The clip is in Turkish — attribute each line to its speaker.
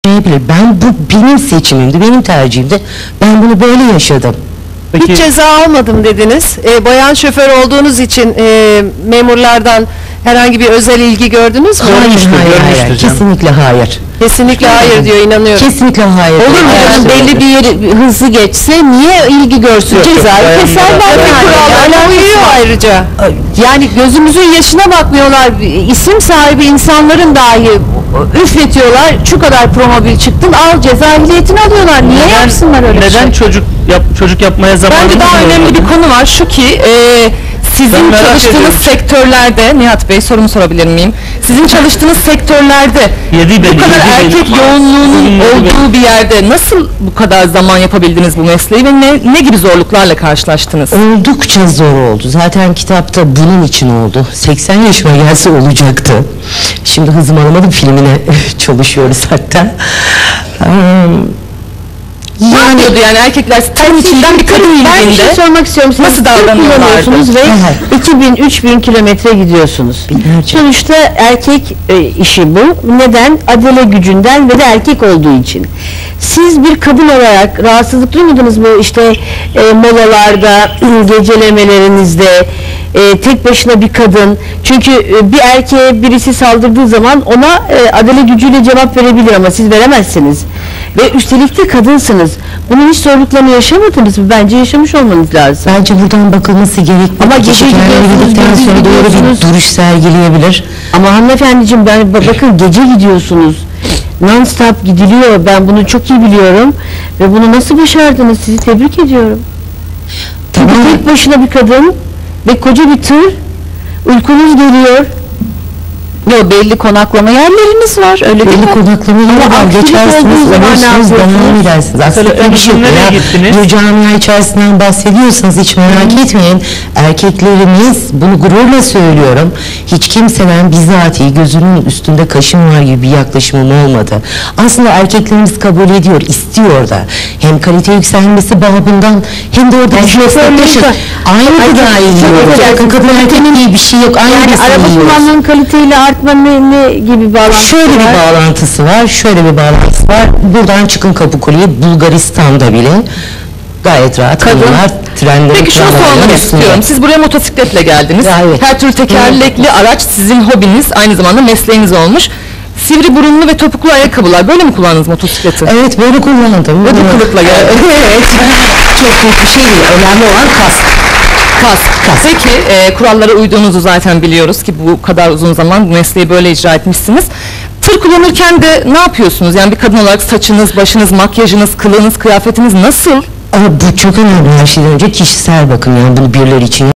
Speaker 1: Ben bu benim seçimimdi, benim tercihimdi. Ben bunu böyle yaşadım.
Speaker 2: Peki, hiç ceza almadım dediniz. Bayan şoför olduğunuz için memurlardan herhangi bir özel ilgi gördünüz mü?
Speaker 1: Hayır, kesinlikle hayır.
Speaker 2: Kesinlikle hayır diyor, inanıyorum.
Speaker 1: Kesinlikle hayır.
Speaker 3: Olur mu? Yani belli bir yeri hızlı geçse niye ilgi görsün? Cezayı keserler
Speaker 2: Kurallarına uyuyor ayrıca.
Speaker 3: Yani gözümüzün yaşına bakmıyorlar. İsim sahibi insanların dahi üfletiyorlar. Şu kadar promobil çıktın, al ceza ehliyetini alıyorlar. Niye yapsınlar öyle bir şey?
Speaker 4: Neden çocuk yapmaya zamanı?
Speaker 5: Bence daha önemli bir konu var. Şu ki sizin çalıştığınız sektörlerde, Nihat Bey sorumu sorabilir miyim? Sizin çalıştığınız sektörlerde bu kadar erkek yoğunluğunun olduğu bir yerde nasıl bu kadar zaman yapabildiniz bu mesleği ve ne gibi zorluklarla karşılaştınız?
Speaker 1: Oldukça zor oldu. Zaten kitapta bunun için oldu. 80 yaşıma gelse olacaktı. Şimdi Hızım Alamadım filmine çalışıyoruz hatta.
Speaker 5: Ne yapıyordu yani erkekler tam içinden bir kadın
Speaker 3: Ben bir şey
Speaker 5: ilginde
Speaker 3: sormak istiyorum. Siz
Speaker 5: nasıl davranıyorlardı?
Speaker 3: ve 2000-3000 kilometre gidiyorsunuz.
Speaker 1: Binlerce.
Speaker 3: Sonuçta erkek işi bu. Neden? Adele gücünden ve de erkek olduğu için. Siz bir kadın olarak rahatsızlık duymadınız mı? İşte molalarda, gecelemelerinizde, tek başına bir kadın. Çünkü bir erkeğe birisi saldırdığı zaman ona adele gücüyle cevap verebilir ama siz veremezsiniz. Ve üstelik de kadınsınız. Bunun hiç zorluklarını yaşamadınız mı? Bence yaşamış olmanız lazım.
Speaker 1: Bence buradan bakılması gerekmiyor.
Speaker 3: Ama gece
Speaker 1: gidildikten sonra doğru bir duruş sergileyebilir.
Speaker 3: Ama hanımefendiciğim bakın gece gidiyorsunuz. Non-stop gidiliyor. Ben bunu çok iyi biliyorum. Ve bunu nasıl başardınız? Sizi tebrik ediyorum. Çünkü
Speaker 1: Tamam.
Speaker 3: tek başına bir kadın ve koca bir tır. Uykunuz geliyor.
Speaker 5: Yok, belli konaklama yerleriniz var. Öyle değil
Speaker 1: Belli
Speaker 5: mi?
Speaker 1: konaklama yeri var.
Speaker 3: aktivite
Speaker 1: Geçersiniz,
Speaker 3: olduğu zaman ne
Speaker 1: alırsınız, devam
Speaker 3: yapıyorsunuz?
Speaker 1: edersiniz. Aslında bir şey yok.
Speaker 4: nereye gittiniz?
Speaker 1: Bir camia içerisinden bahsediyorsanız hiç merak etmeyin. Erkeklerimiz, bunu gururla söylüyorum, hiç kimseden bizatihi gözünün üstünde kaşım var gibi bir yaklaşımım olmadı. Aslında erkeklerimiz kabul ediyor, istiyor da. Hem kalite yükselmesi babından hem de orada bir meslektaşız. Aynı gıdayı yiyoruz. Bakın kadın erkek diye bir şey yok. Aynı
Speaker 3: Yani
Speaker 1: besini
Speaker 3: araba
Speaker 1: yiyoruz.
Speaker 3: kullanmanın kaliteyle artma ne gibi bağlantısı
Speaker 1: Şöyle bir
Speaker 3: var?
Speaker 1: bağlantısı var, şöyle bir bağlantısı var. Buradan çıkın Kapıkule'ye, Bulgaristan'da bile gayet rahat kadınlar trenlerin
Speaker 5: Peki şunu sormak istiyorum. Siz buraya motosikletle geldiniz.
Speaker 1: Ya, evet.
Speaker 5: Her türlü tekerlekli araç sizin hobiniz, aynı zamanda mesleğiniz olmuş. Sivri burunlu ve topuklu ayakkabılar. Böyle mi kullandınız motosikleti?
Speaker 1: Evet, böyle kullandım.
Speaker 5: Ve bu kılıkla geldi.
Speaker 1: Evet. Çok büyük bir şey değil. Önemli olan kask.
Speaker 5: Kask. Peki kurallara uyduğunuzu zaten biliyoruz ki bu kadar uzun zaman bu mesleği böyle icra etmişsiniz. Tır kullanırken de ne yapıyorsunuz? Yani bir kadın olarak saçınız, başınız, makyajınız, kılığınız, kıyafetiniz nasıl?
Speaker 1: Ama bu çok önemli, her şeyden önce kişisel bakım, yani bunu birileri için